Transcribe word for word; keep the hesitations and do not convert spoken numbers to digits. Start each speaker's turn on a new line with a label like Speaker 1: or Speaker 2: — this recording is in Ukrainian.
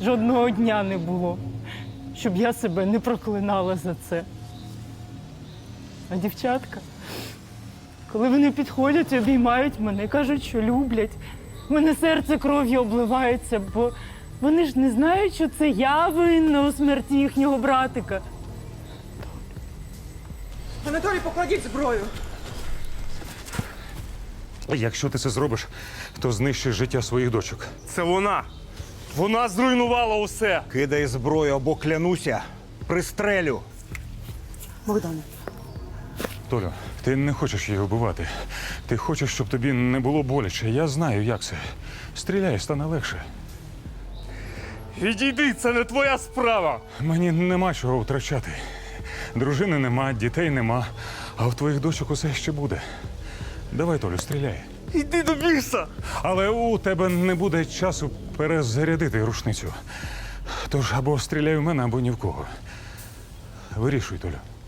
Speaker 1: Жодного дня не було, щоб я себе не проклинала за це. А дівчатка, коли вони підходять, обіймають мене, кажуть, що люблять, в мене серце кров'ю обливається, бо вони ж не знають, що це я винна у смерті їхнього братика.
Speaker 2: Анатолій, покладіть зброю.
Speaker 3: Якщо ти це зробиш, то знищиш життя своїх дочок.
Speaker 4: Це вона. Вона зруйнувала усе.
Speaker 5: Кидай зброю або клянуся, пристрелю.
Speaker 2: Богдане.
Speaker 3: Толю, ти не хочеш її вбивати. Ти хочеш, щоб тобі не було боляче. Я знаю, як це. Стріляй, стане легше.
Speaker 4: Відійди, це не твоя справа.
Speaker 3: Мені нема чого втрачати. Дружини нема, дітей нема, а в твоїх дочок усе ще буде. Давай, Толю, стріляй.
Speaker 4: Йди до біса.
Speaker 3: Але у тебе не буде часу перезарядити рушницю. Тож або стріляй в мене, або ні в кого. Вирішуй, Толю.